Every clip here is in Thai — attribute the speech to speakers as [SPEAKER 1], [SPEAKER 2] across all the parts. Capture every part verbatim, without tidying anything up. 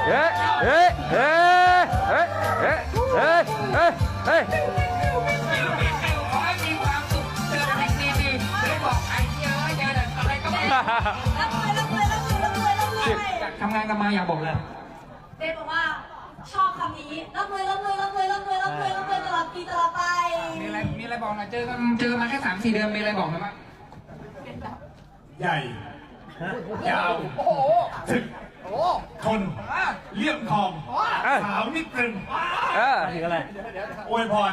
[SPEAKER 1] เฮ้ยเฮ้ยเฮ้ยเฮ้ยเฮ้ยเฮ้ยเฮ้ยเฮ้ย
[SPEAKER 2] ขอให้มีความสุขเจอแต่สิ่งดีๆไม่บอกไอ้เหี้ยเจอแต่อะไรก็ไม่รู้
[SPEAKER 3] รับเลยรับเลยรับเลยรับเลยรับเลย
[SPEAKER 2] อยากทำงานกันมาอยากบอกเลย
[SPEAKER 3] เบสบอกว่าชอบคำนี้รับเลยรับเลยรับเลยรับเลยรับเลยรับเลยตลอดปีตลอดไป
[SPEAKER 2] มีอะไรมีอะไรบอกหน่อยเจอกันเจอมาแค่สามสี่เดือนมีอะไรบอกหน่อยมั้ย
[SPEAKER 4] ใหญ่ยาว
[SPEAKER 2] โอ้โห
[SPEAKER 4] ถึก
[SPEAKER 2] โอ้โห
[SPEAKER 4] ทนเลี่ยมทองขาวนิดตรึง
[SPEAKER 1] เออ
[SPEAKER 4] อวยพร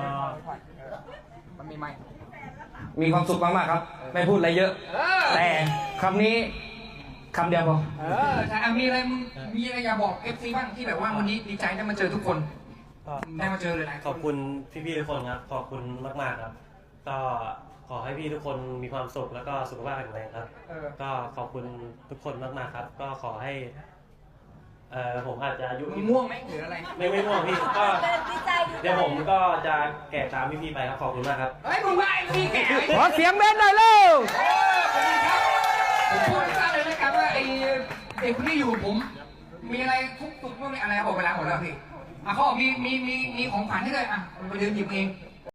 [SPEAKER 2] มันมีไหม
[SPEAKER 1] มีความสุขมากๆครับ ไม่พูดอะไรเยอะ
[SPEAKER 2] เออ
[SPEAKER 1] แต่คำนี้คำเดียวพอ
[SPEAKER 2] เออใช่อ่ะมีอะไรมึงมีอะไรอยากบอกเอฟซีบ้างที่แบบว่าวันนี้ดีใจได้มาเจอทุกคนได้มาเจอเลยหลายค
[SPEAKER 5] ขอน บคุณพี่ๆทุกคนครับ ขอบคุณมากๆครับ ก็ขอให้พี่ทุกคนมีความสุขแล้วก็สุขภาพแข็งแรงครับ
[SPEAKER 2] เออ
[SPEAKER 5] ก็ขอบคุณทุกคนมากๆครับ ก็ขอให้เอ่อผมอาจจะอายุ
[SPEAKER 2] มึงม่วงไหมหรืออะไร
[SPEAKER 5] ไม่ไม่ม่วงพี่ก็
[SPEAKER 3] ดีใจดีใจ
[SPEAKER 5] เดี๋ยวผมก็จะแก่ตามพี่ๆไปครับขอบคุณมากครับ
[SPEAKER 2] เฮ้ยมึงว่าไอ้พี่แก่
[SPEAKER 1] ขอเสียงเบสหน่อยเร็ว
[SPEAKER 2] โอ้ขอบคุณครับผมพูดให้ทราบเลยนะครับว่าไอ้เด็กคนนี้อยู่กับผม มีอะไรทุกตุกเมื่อไรอะไรบอกเวลาหมดแล้วพี่อ่ะเขาบอกมีมีมีมีของขวัญให้เลยอ่ะไปเดินหยิบเอง